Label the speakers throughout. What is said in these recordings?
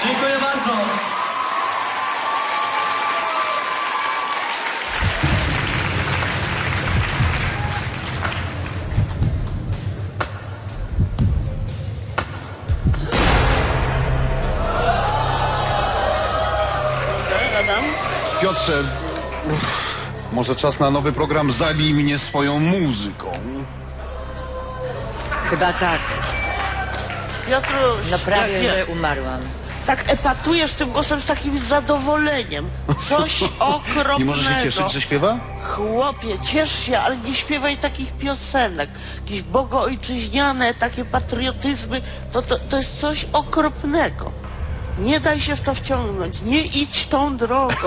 Speaker 1: Dziękuję bardzo.
Speaker 2: Piotrze, może czas na nowy program Zabij mnie swoją muzyką.
Speaker 3: Chyba tak.
Speaker 4: Piotruś,
Speaker 3: No prawie,
Speaker 4: jak
Speaker 3: że umarłam.
Speaker 4: tak epatujesz tym głosem z takim zadowoleniem. Coś okropnego.
Speaker 2: Nie może się cieszyć, że śpiewa?
Speaker 4: Chłopie, ciesz się, ale nie śpiewaj takich piosenek. Jakieś bogoojczyźniane, takie patriotyzmy, to jest coś okropnego. Nie daj się w to wciągnąć, nie idź tą drogą.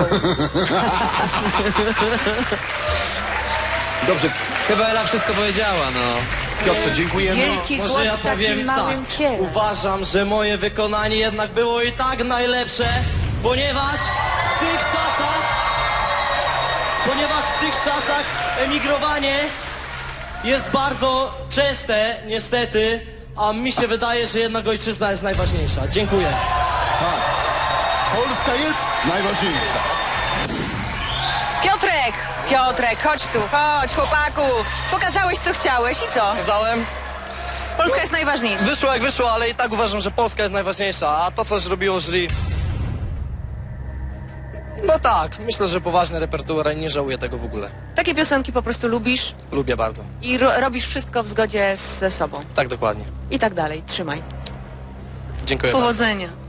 Speaker 2: Dobrze,
Speaker 1: Chyba Ela wszystko powiedziała, no.
Speaker 2: Piotrze, dziękujemy.
Speaker 3: Wielki głos
Speaker 1: Może ja
Speaker 3: w takim
Speaker 1: powiem
Speaker 3: małym
Speaker 1: tak.
Speaker 3: ciele.
Speaker 1: Uważam, że moje wykonanie jednak było i tak najlepsze, ponieważ w tych czasach emigrowanie jest bardzo częste, niestety, a mi się wydaje, że jednak ojczyzna jest najważniejsza. Dziękuję.
Speaker 2: Polska jest najważniejsza.
Speaker 5: Piotrek, chodź tu, chodź chłopaku. Pokazałeś co chciałeś i co?
Speaker 1: Kazałem.
Speaker 5: Polska jest najważniejsza.
Speaker 1: Wyszło jak wyszło, ale i tak uważam, że Polska jest najważniejsza, a to co zrobiło jury... No tak, myślę, że poważny repertuar i nie żałuję tego w ogóle.
Speaker 5: Takie piosenki po prostu lubisz
Speaker 1: Lubię bardzo.
Speaker 5: i robisz wszystko w zgodzie ze sobą.
Speaker 1: Tak dokładnie.
Speaker 5: I tak dalej, trzymaj.
Speaker 1: Dziękuję bardzo.
Speaker 5: Powodzenia.